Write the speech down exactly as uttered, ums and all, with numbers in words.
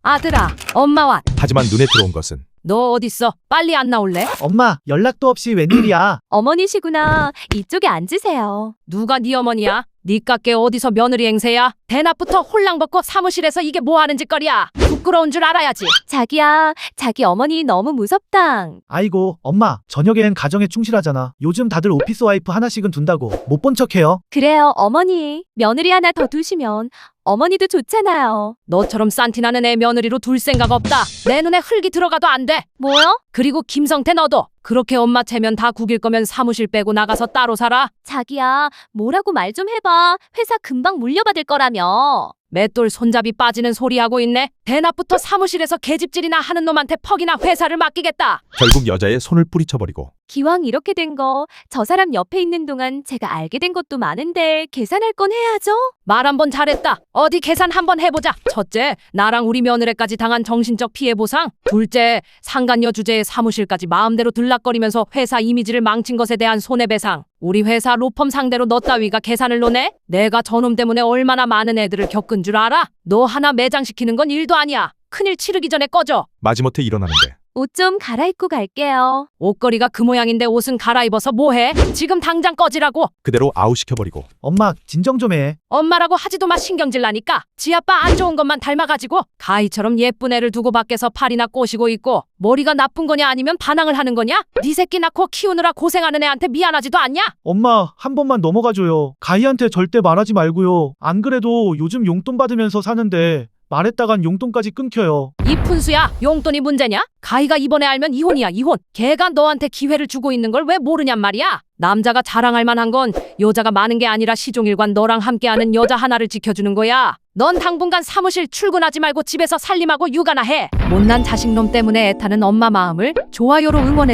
아들아, 엄마 왔. 하지만 눈에 들어온 것은 너 어딨어? 빨리 안 나올래? 엄마, 연락도 없이 웬일이야? 어머니시구나. 이쪽에 앉으세요. 누가 네 어머니야? 니깎게 어디서 며느리 행세야? 대낮부터 홀랑 벗고 사무실에서 이게 뭐 하는 짓거리야? 부끄러운 줄 알아야지. 자기야, 자기 어머니 너무 무섭당. 아이고, 엄마, 저녁엔 가정에 충실하잖아. 요즘 다들 오피스 와이프 하나씩은 둔다고 못 본 척해요. 그래요, 어머니. 며느리 하나 더 두시면 어머니도 좋잖아요. 너처럼 싼티나는 애 며느리로 둘 생각 없다. 내 눈에 흙이 들어가도 안 돼. 뭐요? 그리고 김성태 너도 그렇게 엄마 체면 다 구길 거면 사무실 빼고 나가서 따로 살아. 자기야, 뭐라고 말 좀 해봐. 회사 금방 물려받을 거라며. 맷돌 손잡이 빠지는 소리 하고 있네. 대낮부터 사무실에서 계집질이나 하는 놈한테 퍽이나 회사를 맡기겠다. 결국 여자의 손을 뿌리쳐버리고 기왕 이렇게 된 거, 저 사람 옆에 있는 동안 제가 알게 된 것도 많은데 계산할 건 해야죠? 말 한 번 잘했다. 어디 계산 한번 해보자. 첫째, 나랑 우리 며느리까지 당한 정신적 피해 보상. 둘째, 상간녀 주제에 사무실까지 마음대로 들락거리면서 회사 이미지를 망친 것에 대한 손해배상. 우리 회사 로펌 상대로 너 따위가 계산을 노네? 내가 저놈 때문에 얼마나 많은 애들을 겪은 줄 알아? 너 하나 매장시키는 건 일도 아니야. 큰일 치르기 전에 꺼져. 마지못해 일어나는데 옷 좀 갈아입고 갈게요. 옷걸이가 그 모양인데 옷은 갈아입어서 뭐해? 지금 당장 꺼지라고. 그대로 아웃시켜버리고 엄마, 진정 좀 해. 엄마라고 하지도 마. 신경질 나니까. 지 아빠 안 좋은 것만 닮아가지고 가희처럼 예쁜 애를 두고 밖에서 팔이나 꼬시고 있고 머리가 나쁜 거냐 아니면 반항을 하는 거냐? 네 새끼 낳고 키우느라 고생하는 애한테 미안하지도 않냐? 엄마, 한 번만 넘어가줘요. 가희한테 절대 말하지 말고요. 안 그래도 요즘 용돈 받으면서 사는데 말했다간 용돈까지 끊겨요. 이 푼수야, 용돈이 문제냐? 가희가 이번에 알면 이혼이야, 이혼. 걔가 너한테 기회를 주고 있는 걸 왜 모르냔 말이야. 남자가 자랑할 만한 건 여자가 많은 게 아니라 시종일관 너랑 함께하는 여자 하나를 지켜주는 거야. 넌 당분간 사무실 출근하지 말고 집에서 살림하고 육아나 해. 못난 자식놈 때문에 애타는 엄마 마음을 좋아요로 응원해.